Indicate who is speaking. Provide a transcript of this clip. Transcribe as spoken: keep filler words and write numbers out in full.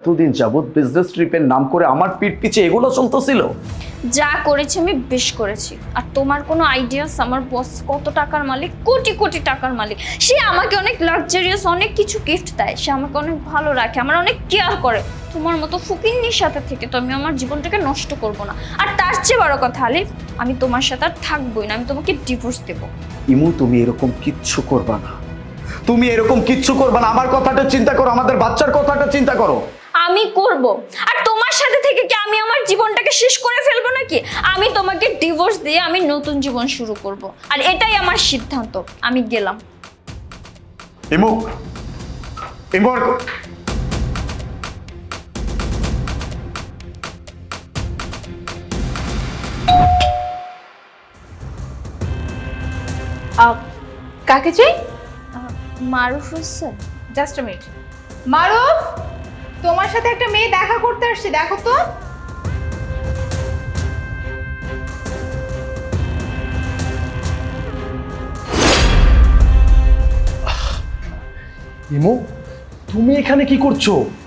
Speaker 1: এতদিন যাবত বিজনেস ট্রিপের নাম করে আমার পিঠ পিছে এগুলো চলতেছিল।
Speaker 2: যা করেছি আমি বেশ করেছি। আর তোমার কোনো আইডিয়াস, আমার বস কত টাকার মালিক, কোটি কোটি টাকার মালিক। সে আমাকে অনেক লাক্সারিয়াস অনেক কিছু গিফট দেয়, সে আমাকে অনেক ভালো রাখে, আমার অনেক কেয়ার করে। তোমার মতো ফকিন্নির সাথে থেকে তো আমি আমার জীবনটাকে নষ্ট করব না। আর তার চেয়ে বড় কথা আলিফ, আমি তোমার সাথে আর থাকবোই না, আমি তোমাকে ডিভোর্স দেবো।
Speaker 1: ইমু তুমি এরকম কিচ্ছু করবা না, তুমি এরকম কিচ্ছু করবা না। আমার কথাটা চিন্তা করো, আমাদের বাচ্চার কথাটা চিন্তা করো।
Speaker 2: আমি করব। আর তোমার সাথে থেকে কি আমি আমার জীবনটাকে শেষ করে ফেলবো নাকি? আমি তোমাকে ডিভোর্স দিয়ে আমি নতুন জীবন শুরু করব। আর এটাই আমার সিদ্ধান্ত। আমি গেলাম।
Speaker 1: ইমু, ইমু
Speaker 3: কাকে চাই?
Speaker 2: Maruf Hossain.
Speaker 3: Just a minute. Maruf, তোমার সাথে একটা মেয়ে দেখা করতে আসছে, দেখো তো।
Speaker 1: ইমু, তুমি এখানে কি করছো?